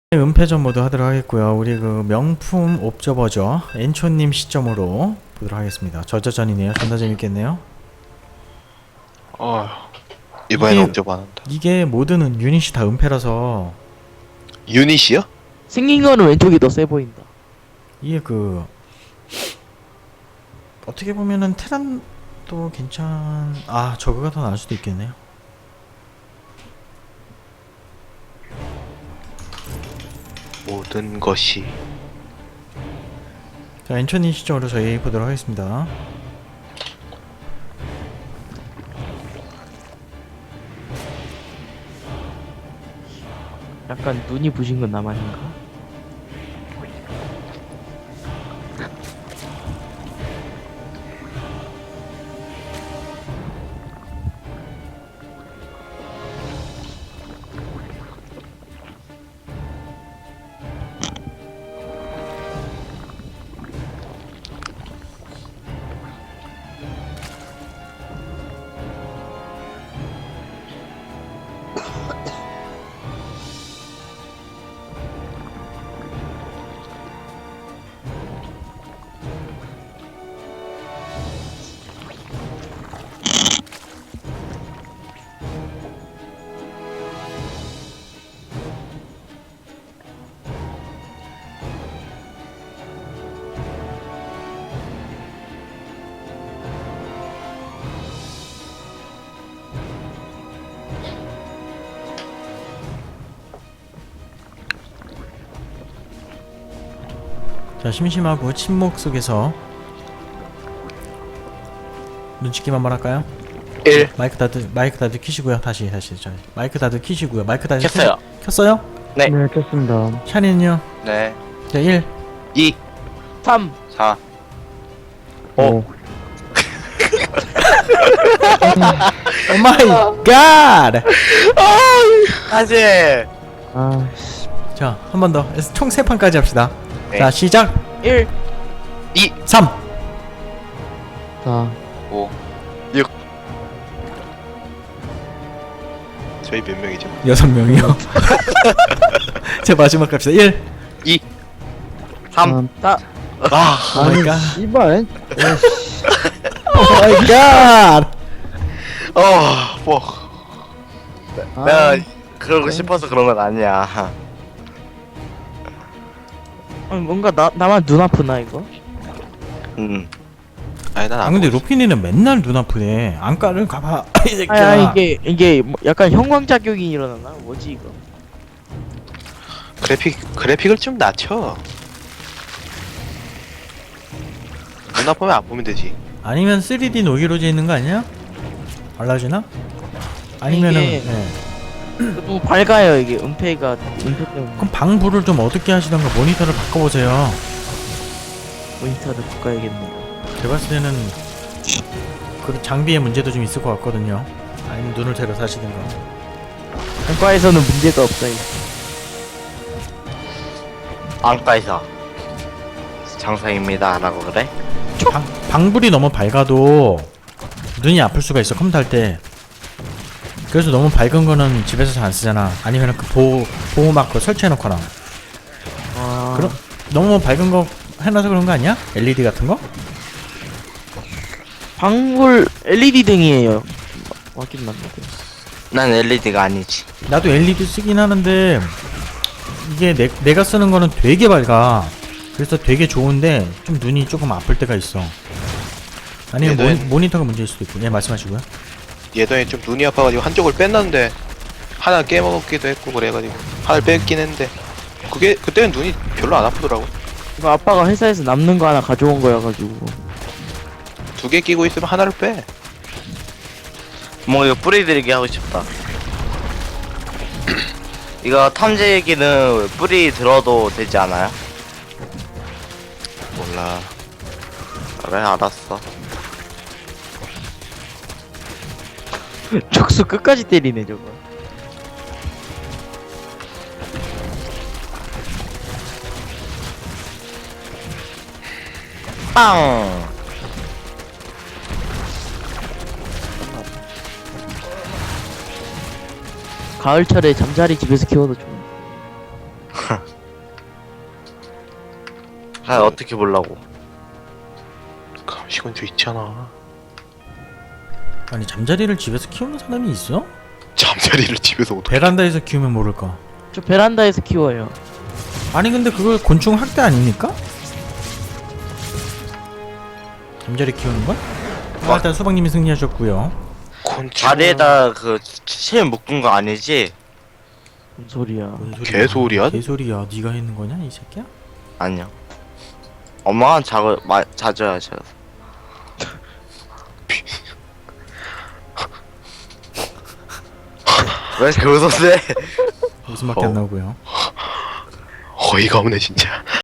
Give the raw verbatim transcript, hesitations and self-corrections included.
은폐전 모드 하도록 하겠고요. 우리 그 명품 옵저버죠. 엔초님 시점으로 보도록 하겠습니다. 저저전이네요. 존나 재밌겠네요. 어 이번에는 이게- 옵저버 안 한다. 이게 모드는 유닛이 다 은폐라서 유닛이요? 생긴 거는 왼쪽이 더 세 보인다. 이게 그 어떻게 보면은 테란도 괜찮. 아 저거가 더 나을 수도 있겠네요. 모든 것이 자 엔초님 시점으로 저희 보도록 하겠습니다. 약간 눈이 부신 건 나만인가? 자 심심하고 침묵 속에서 눈치게임 한번 할까요? 일 마이크 다들 마이크 다들 키시고요. 다시 다시 저 마이크 다들 키시고요. 마이크 다시 켰어요. 키- 켰어요? 네. 네, 켰습니다. 샤니는요? 네 자 일. 이 삼. 사 오. 오 마이 갓! 하지 아, 씨. 자, 한 번 더. 총 세 판까지 합시다. 네. 자, 시작. 일. 이 삼. 자, 오 육 저희 몇 명이죠? 여섯 명이요. 제 마지막 갑시다. 일. 이 삼 음, 사. 아 오 마이 아니, 갓. 씨발. 에이씨. 오 마이 갓. 어, 뭐 아, 내가 그러고 싶어서 그런 건 아니야. 아니, 뭔가 나 나만 눈 아프나 이거? 음 아니 난 아, 안 근데 보고 로피니는 맨날 눈 아프네. 안과를 가봐. 이 아니, 새끼야. 아니 이게 이게 뭐 약간 형광작용이 일어나나? 뭐지 이거? 있어. 그래픽 그래픽을 좀 낮춰. 눈 아프면 안 보면 되지. 아니면 쓰리디 노기로제 있는 거 아니야? 달라지나? 아니면은 이게- 네. 너무 밝아요 이게 은폐가 은폐 때문에 그럼 방불을 좀 어둡게 하시던가 모니터를 바꿔보세요. 모니터를 바꿔야겠네요. 제가 봤을 때는 그 장비의 문제도 좀 있을 것 같거든요. 아니면 눈을 새로 사시든가. 안과에서는 문제가 없어요. 안과에서 장사입니다 라고 그래? 방, 방불이 너무 밝아도 눈이 아플 수가 있어, 컴퓨터 할 때. 그래서 너무 밝은 거는 집에서 잘 안 쓰잖아. 아니면 그 보호, 보호막 그 설치해놓거나. 아, 그럼 너무 밝은 거 해놔서 그런 거 아니야? 엘이디 같은 거? 방불 엘이디 등이에요. 맞긴 맞는데. 난 엘이디가 아니지. 나도 엘이디 쓰긴 하는데 이게 내, 내가 쓰는 거는 되게 밝아. 그래서 되게 좋은데 좀 눈이 조금 아플 때가 있어. 아니면 얘도 모니, 모니터가 문제일 수도 있고. 예, 말씀하시고요. 예전에 좀 눈이 아파가지고 한쪽을 뺐는데 하나 깨먹기도 했고 그래가지고 하나를 뺐긴 했는데 그게 그때는 눈이 별로 안 아프더라고. 이거 아빠가 회사에서 남는 거 하나 가져온 거여가지고. 두 개 끼고 있으면 하나를 빼. 뭐 이거 뿌리들이기 하고 싶다. 이거 탐지기는 뿌리 들어도 되지 않아요? 몰라. 그래 알았어. 촉수 끝까지 때리네 저거. 빵! 가을철에 잠자리 집에서 키워도 좋은. 아 어떻게 보려고? 감시건조 있잖아. 아니 잠자리를 집에서 키우는 사람이 있어? 잠자리를 집에서 어떻게? 베란다에서 키우면 모를까. 저 베란다에서 키워요. 아니 근데 그걸 곤충 학대 아닙니까? 잠자리 키우는 건? 아, 일단 수박님이 승리하셨고요. 곤충. 다리에다 그실 묶은 거 아니지? 뭔 소리야. 뭔 소리야? 개소리야? 개소리야. 네가 했는 거냐 이 새끼야? 아니요. 엄마가 자고 마 자주 하셔. 왜 이렇게 웃었대? 웃음밖에 어. 안 나오고요. 어이가 없네 진짜.